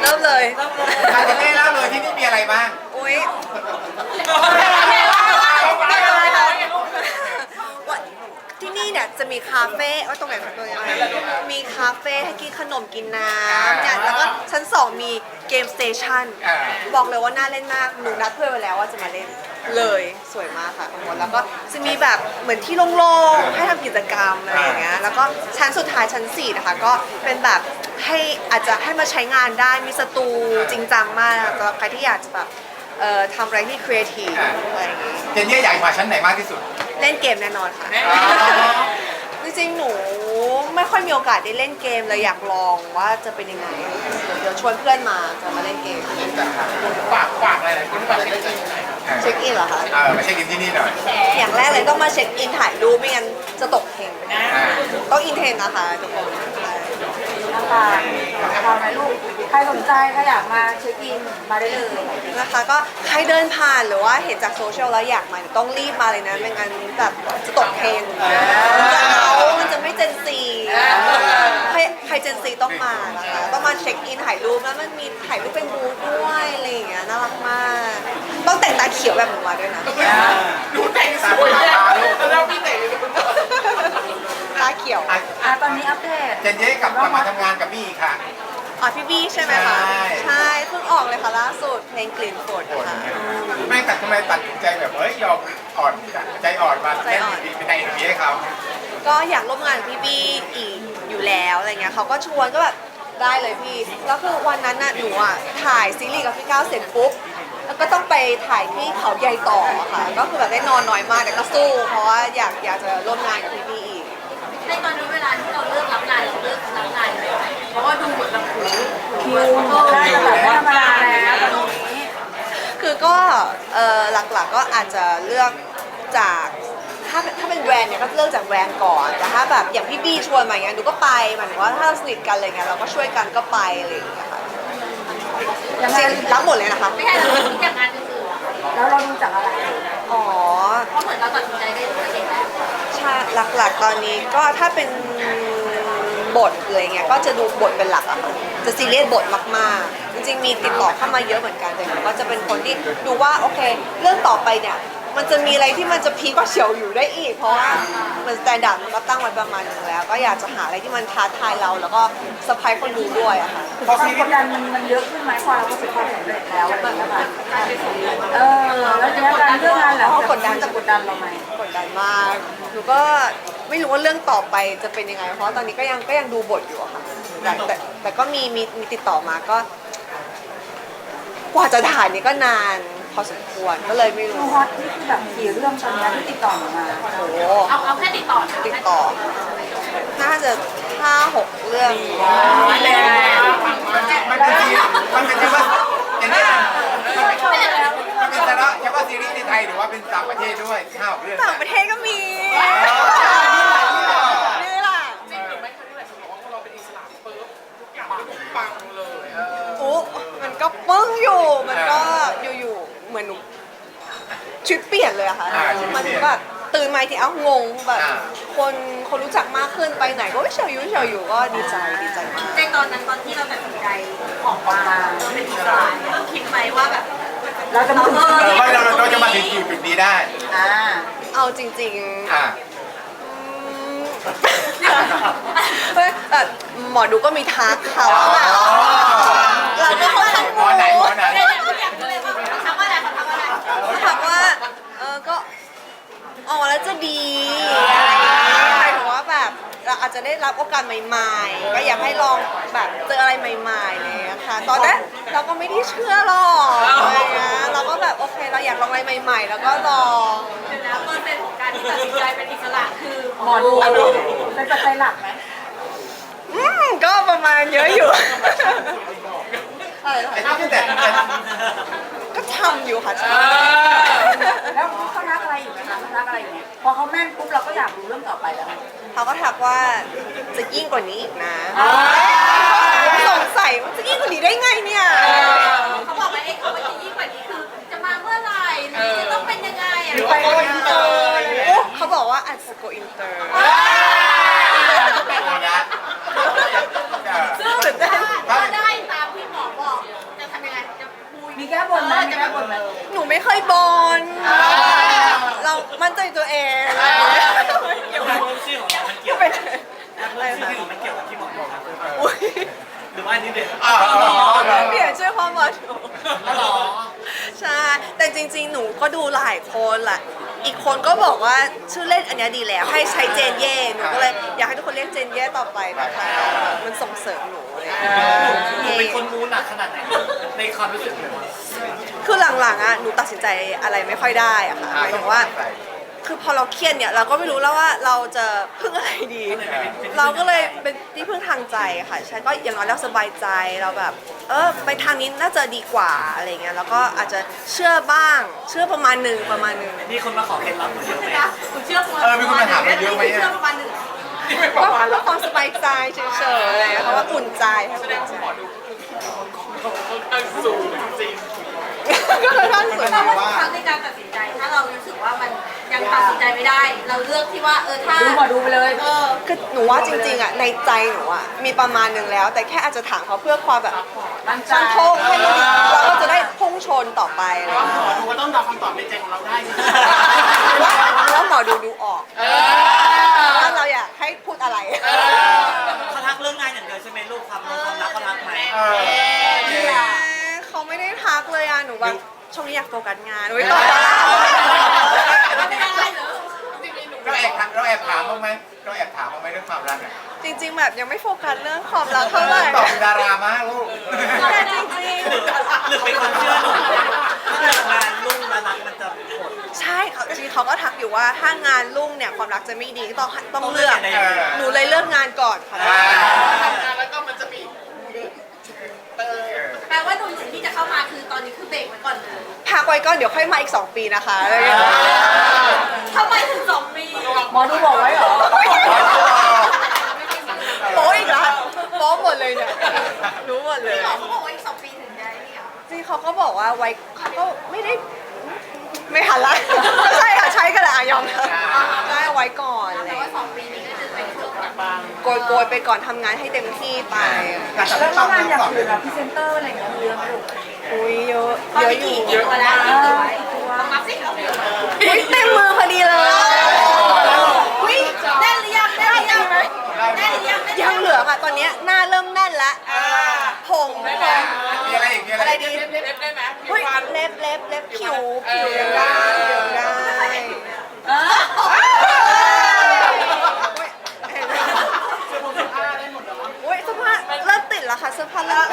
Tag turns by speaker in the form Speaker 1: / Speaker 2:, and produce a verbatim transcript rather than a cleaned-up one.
Speaker 1: ริ่มเลย
Speaker 2: ทางจะเล่เล่าเลยที่นี่มีอะไรบ้าง
Speaker 1: อุ้ยที่นี่เนี่ยจะมีคาเฟ่ว่าตรงไหนของตัวยังไงมีคาเฟ่ให้กินขนมกินน้ำเนี่ยแล้วก็ชั้นสองมีเกมสเตชันบอกเลยว่าน่าเล่นมากหนูนัดเพื่อนไว้แล้วว่าจะมาเล่นเลยสวยมากค่ะทั้งหมดแล้วก็จะมีแบบเหมือนที่โล่งๆให้ทำกิจกรรมอะไรอย่างเงี้ยแล้วก็ชั้นสุดท้ายชั้นสี่นะคะก็เป็นแบบให้อาจจะให้มาใช้งานได้มีสตูจริงจังมากสำหรับใครที่อยากจะแบบเอ่อทำอะไรที่ครีเอทีฟอะไรอย่างเงี้ย
Speaker 2: เจนนี่ใหญ่มาชั้นไหนมากที่สุด
Speaker 1: เล่นเกมแน่นอนค่ะจริงๆหนูไม่ค่อยมีโอกาสได้เล่นเกมเลยอยากลองว่าจะเป็นยังไงเดี๋ยวชวนเพื่อนมาจะมาเล่นเกม
Speaker 2: ฝากฝากอะไรคุณฝากเช็คอิน
Speaker 1: เช็คอินเหรอคะ
Speaker 2: เออมาเช็คอินที่นี่หน่อย
Speaker 1: อย่างแรกเลยต้องมาเช็คอินถ่ายรูปไม่งั้นจะตกเทรนด์ต้องอินเทรนด์นะคะทุกคน
Speaker 3: นะคะทำไหมลูกใครสนใจก็อยากมาเช็คอินมาได้เลย
Speaker 1: นะคะก็ใครเดินผ่านหรือว่าเห็นจากโซเชียลแล้วอยากมาต้องรีบมาเลยนะไม่งั้นแบบจะตกเทรนด์จะเอามันจะไม่เจนซีใครใครเจนซีต้องมานะคะต้องมาเช็คอินถ่ายรูปแล้วมันมีถ่ายรูปเป็นบูธด้วยอะไรอย่างเงี้ยน่ารักมากต้องแต่งตาเขียวแบบหนูมาด้วยนะ
Speaker 2: ดูแต่งสวยตาลูกแล้วพี่แต่ง
Speaker 1: ตาเขียว
Speaker 3: อ่ะตอนนี้อัปเดต
Speaker 2: เจนนี่กลับมาทำงานกับพี่อีกค่ะ
Speaker 1: อ๋อพี่บี้ใช่ไหมคะใช่เพิ่งออกเลยค่ะล่าสุดเพลงกลิ่นฝนค่ะ
Speaker 2: ไม่แต่ทำไมตัดใจแบบเฮ้ยยอมอ่อนใจอ่อนมาเล่นดีเป็นในเอ็มวีให้เขา
Speaker 1: ก็อยากร่วมงานพี่บี้อีกอยู่แล้วอะไรเงี้ยเขาก็ชวนก็แบบได้เลยพี่แล้วคือวันนั้นน่ะหนูอ่ะถ่ายซีรีส์กับพี่ก้าวเสร็จปุ๊บแล้วก็ต้องไปถ่ายที่เขาใหญ่ต่อค่ะก็คือแบบได้นอนน้อยมากแต่ก็สู้เพราะว่าอยากอยากจะร่วมงานกับพี่บี้อีก
Speaker 4: ในตอนนี้เวลาที่เราเลือกรับงานเราเลือกรับงานเลยเพราะว่าดูเหมือนแบบหู
Speaker 3: คิวได้แบบไม่ธรรมดาแล้วตอนนี้
Speaker 1: คือก็เออหลักๆก็อาจจะเลือกจากถ้าถ้าเป็นแบรนด์เนี่ยก็เลือกจากแบรนด์ก่อนแต่ถ้าแบบอย่างพี่บี้ชวนมาอย่างเงี้ยดูก็ไปหมายถึงว่าถ้าเราสนิทกันอะไรเงี้ยเราก็ช่วยกันก็ไปอะไรอย่างเงี้ยค่ะรับหมดเลยนะคะ
Speaker 4: ไม่ใช่เราคิดอย่างงานอื่น
Speaker 3: ๆแล้วเราดูจากอะไร
Speaker 1: อ๋อ
Speaker 4: เพราะเหมือนเราตัดสินใจได้ด้วยเองแล้ว
Speaker 1: ใช่หลักๆตอนนี้ก็ถ้าเป็นบทอะไรเงี้ยก็จะดูบทเป็นหลักอะค่ะจะซีเรียสบทมากๆจริงๆมีติดต่อเข้ามาเยอะเหมือนกันแต่ก็จะเป็นคนที่ดูว่าโอเคเรื่องต่อไปเนี่ยมันจะมีอะไรที่มันจะพีกว่าเฉียวอยู่ได้อีกเพราะว่ามันสแตนดาร์ดมันก็ตั้งไว้ประมาณนึงแล้วก็อยากจะหาอะไรที่มันท้าทายเราแล้วก็เซอร์ไพรส์คนดูด้วยอะค่ะ
Speaker 3: ความกดดันมันมันเยอะขึ้นไหมพอเราประสบความสำเร็จแล้วอะไรอย่างเงี้ยค่ะเออแล้วเนี่ยการเรื่องงานแล้ว
Speaker 1: กดดัน
Speaker 3: จะกดดันเราไหม
Speaker 1: กดดันมากหนูก็ไม่รู้ว่าเรื่องต่อไปจะเป็นยังไงเพราะตอนนี้ก็ยังก็ยังดูบทอยู่อะค่ะแต่แต่แต่ก็มีมีมีติดต่อมาก็กว่าจะถ่ายนี่ก็นานพอสมควรก็เลยไม่รู้
Speaker 3: ฮอตนี่คือแบบกี่เรื่องตอนนี้ที่ติดต่อมา
Speaker 1: โอ้
Speaker 4: เอาเอาแค่ติดต่อ
Speaker 1: ติดต่อน่าจะห้าหกเรื่อง
Speaker 2: มันเป็นซีมันเป็นเฉพาะอย่างนี้มันเป็นเฉพาะเฉพาะซีรีส์ในไทยหรือว่าเป็นต่างประเทศด้วยห้าหกเรื่อง
Speaker 1: ต่างประเทศก็มีนี่แหละจริงหรือไม่เคยได้บอกว่าพอเราเป็นอิสระปุ๊บทุกอย่างมันปังเลยโอ้มันก็ปึ้งอยู่มันก็อยู่ๆเหมือนหนูชีวิตเปลี่ยนเลยอะค่ะมันแบบตื่นมาทีเอ้างงแบบคนคนรู้จักมากขึ้นไปไหนก็เฉยอยู่เฉยอยู่ก็ดีใจดีใจมาก
Speaker 4: ในตอนนั้นตอนที่เราตัดสินใจออกมาเราเป็นอิสระเราคิดไหมว่าแบบ
Speaker 3: เราจะมาถึง
Speaker 2: ว่าเราเราจะมาถึงจุดนี้ได้
Speaker 1: อ่าเอาจริงๆอ่าหมอดูก็มีทักเขาแบบเราก็เขาทัก
Speaker 2: หมอไหนหมอไหน
Speaker 4: เขาทักว่าอะไรเขาทักว่าอะไร
Speaker 1: เขาทักว่าเออก็อ๋อแล้วจะดีอะไรอย่างเงี้ยหมายถึงว่าแบบเราอาจจะได้รับโอกาสใหม่ๆก็อยากให้ลองแบบเจออะไรใหม่ๆเลยค่ะตอนนั้นเราก็ไม่ได้เชื่อหรอกอะไรเงี้ยเราก็แบบโอเคเราอยากลองอะไรใหม่ๆแล้วก็ลอง
Speaker 4: แล้วเปอร์เซ็นต์ของการที่ตัดสินใจเป็นอิสระคือ
Speaker 3: หมอดูเป็นปัจจัยหลักไหม
Speaker 1: อืมก็ประมาณเยอะอยู่
Speaker 2: ไอ้ที่แต่
Speaker 1: ก็ทำอยู่ค่ะ
Speaker 3: แล้วเขาทักอะไรอยู่ไหมคะเขาทักอะไรอยู่พอเขาแม่นปุ๊บเราก็อยากรู้เรื่องต่อไปแล้ว
Speaker 1: เขาก็ทักว่าจะยิ่งกว่านี้อีกนะสงสัยว่าจะยิ่งกว่านี้ได้ไงเนี่ย
Speaker 4: เขาบอกว่าไอ้เขาว่าจะยิ่งกว่านี้คือจะมาเมื่อไหร่จะต้องเป็นยังไงอ่ะ
Speaker 1: ไปโกอินเตอร์เขาบอกว่าอาจจะโกอินเตอร์
Speaker 4: ซึ่งถ้าได้ตามที่หมอบอก
Speaker 1: บอลเรามั่นใจตัวเอง
Speaker 5: เกี่ยวกับเพิ่มชื่อของเรามันเกี่ยว
Speaker 1: เป็น
Speaker 5: อะไรคะมันเกี่ยวกับที่หมอบอกครับ
Speaker 1: อุ๊ย
Speaker 5: หรือว่าอันนี้เด็ก
Speaker 2: อ่า
Speaker 1: เปลี่ยนชื่อพ่อมาถูก
Speaker 5: หรอ
Speaker 1: ใช่ แต่จริงๆ หนูก็ดูหลายคนแหละ อีกคนก็บอกว่าชื่อเล่นอันเนี้ยดีแล้ว ให้ใช้เจนเย่ หนูก็เลยอยากให้ทุกคนเรียกเจนเย่ต่อไปนะคะ มันส่งเสริมหนูเลย
Speaker 5: หนูเป็นคนมูหนักขนาดไหนในความรู้สึกเลยว่า
Speaker 1: คือหลังๆอ่ะ หนูตัดสินใจอะไรไม่ค่อยได้อะค่ะหมายถึงว่า คือพอเราเครียดเนี่ยเราก็ไม่รู้แล้วว่าเราจะพึ่งอะไรดี เราก็เลยเป็นที่พึ่งทางใจค่ะใช่ก็อย่างน้อยเราสบายใจเราแบบ เออไปทางนี้น่าจะดีกว่าอะไรเงี้ยแล้วก็อาจจะเชื่อบ้างเชื่อประมาณหนึ่งประมาณหนึ่ง
Speaker 5: มีคนมาขอเคล็ดลับหนูเยอะไหม
Speaker 4: นะคุณเชื่อประมาณ
Speaker 2: เออมีคนมาถามเราเยอะไหม
Speaker 4: เชื่อ
Speaker 2: อ่ะ
Speaker 4: ประมาณหนึ่ง
Speaker 1: ก็เพื่อความสบายใจเฉยๆเพราะว่าอุ่นใจค่ะอุ่นใจก็ค่อนข้างสวย
Speaker 4: แต่ว่าทุกครั้งในการตัดสินใจถ้าเรารู้สึกว่ามันยังตัดสินใจไม่ได้ เราเลือกที่ว่าเออถ้า
Speaker 3: ดูหมอดูไปเลย
Speaker 4: เออ
Speaker 1: คือหนูว่าจริงๆอ่ะในใจหนูอ่ะมีประมาณหนึ่งแล้ว แต่แค่อาจจะถามเขาเพื่อความแบบ
Speaker 3: มั่นใจ
Speaker 1: ชันโชคให้เราเราก็จะได้พุ่งชนต่อไปอะไรอย่างเงี้ย
Speaker 5: ดูว่าต้องเดาคำตอบในใจของเราได้
Speaker 1: ว่าว่าหมอดูดูออกว่าเราอยากให้พูดอะไร
Speaker 5: เขาทักเรื่องงานอย่างเดียวใช่ไหมลูกความรักความรักเขาทักไหม
Speaker 2: เออ
Speaker 1: เขาไม่ได้ทักเลยอ่ะหนูแบบช่วงนี้อยากโฟกัสงานไว้ต่อ
Speaker 4: ไม่ได้เหรอ
Speaker 2: เราแอบถามเราแอบถามบ้างไหมเราแอบถามบ้างไหมเรื่องความรักอ่ะ
Speaker 1: จริง ๆ แบบยังไม่โฟกัสเรื่องความรักเท่าไหร่
Speaker 2: ตอบเป็นดารามากลูก
Speaker 1: แต่จริง
Speaker 5: หรือเป็นความเชื่อหนูถ้าเกิดงานรุ่งแล้วรักมันจะหด
Speaker 1: ๆใช่เขาจริงๆเขาก็ทักอยู่ว่าถ้างานรุ่งเนี่ยความรักจะไม่ดีก็ต้องต้องเลือก
Speaker 5: ต้องเลือกยังไง
Speaker 1: หนูเลยเลือกงานก่อนค่ะ
Speaker 4: แปลว่าหนุ่มๆที่จะเข้ามาคือตอนนี้คือเบรกไว้ก่อนเลย
Speaker 1: พักไว้ก่อนเดี๋ยวค่อยมาอีกสองปีนะคะอะไรอย่างเงี้ย
Speaker 4: ทำไมถึงสองปี
Speaker 3: หมอดูบอกไว้เหรอ
Speaker 1: โป๊อีกแล้วโป๊หมดเลยเนี่ยรู้หมดเลย
Speaker 4: พี่หมอเขาบอกว่าอีกสองปีถึงได้เนี่ย
Speaker 1: จริงเขาก็บอกว่าไว้เขาก็ไม่ได้ไม่หันละไม่ใช่ค่ะใช้ก็ได้อะยอมได้ไว้ก่อนอะไร
Speaker 4: แต่ว่าสองปีนี้ก็จะเป็นช่วงแบบ
Speaker 1: โกยโกยๆไปก่อนทำงานให้เต็มที่ไป
Speaker 2: การจับ
Speaker 3: แล้ว
Speaker 2: ต้อง
Speaker 3: งานอย่าง
Speaker 2: ตอบ
Speaker 3: อื่นอะพรีเซนเตอร์อะไรอย่างเงี้ยมีเยอะไหมลูก
Speaker 1: อุ้ยเยอะ
Speaker 4: ตอน
Speaker 1: เยอะ
Speaker 4: นี้
Speaker 1: อยู่
Speaker 4: กี่กี่ตัวแล้วกี่ตัวลองนับสิ
Speaker 1: อุ้ยเต็มมือพอดีเลยอุ้ย
Speaker 4: แน่นหรือยังแน่นหรือยังแน่นหรือยัง
Speaker 1: ยังเหลือค่ะตอนเนี้ยหน้าเริ่มแน่นละผงผง
Speaker 2: มีอะไรอีกมีอะไร
Speaker 1: อะไร
Speaker 2: อีก
Speaker 1: ดีเล็บได้ไหมเฮ้ยเล็บเล็บเล็บผิวผิวยังได้ผิวยังได้อุ้ยเสื้อผ้าเริ่มติดแล้วค่ะเสื้อผ้าเริ่ม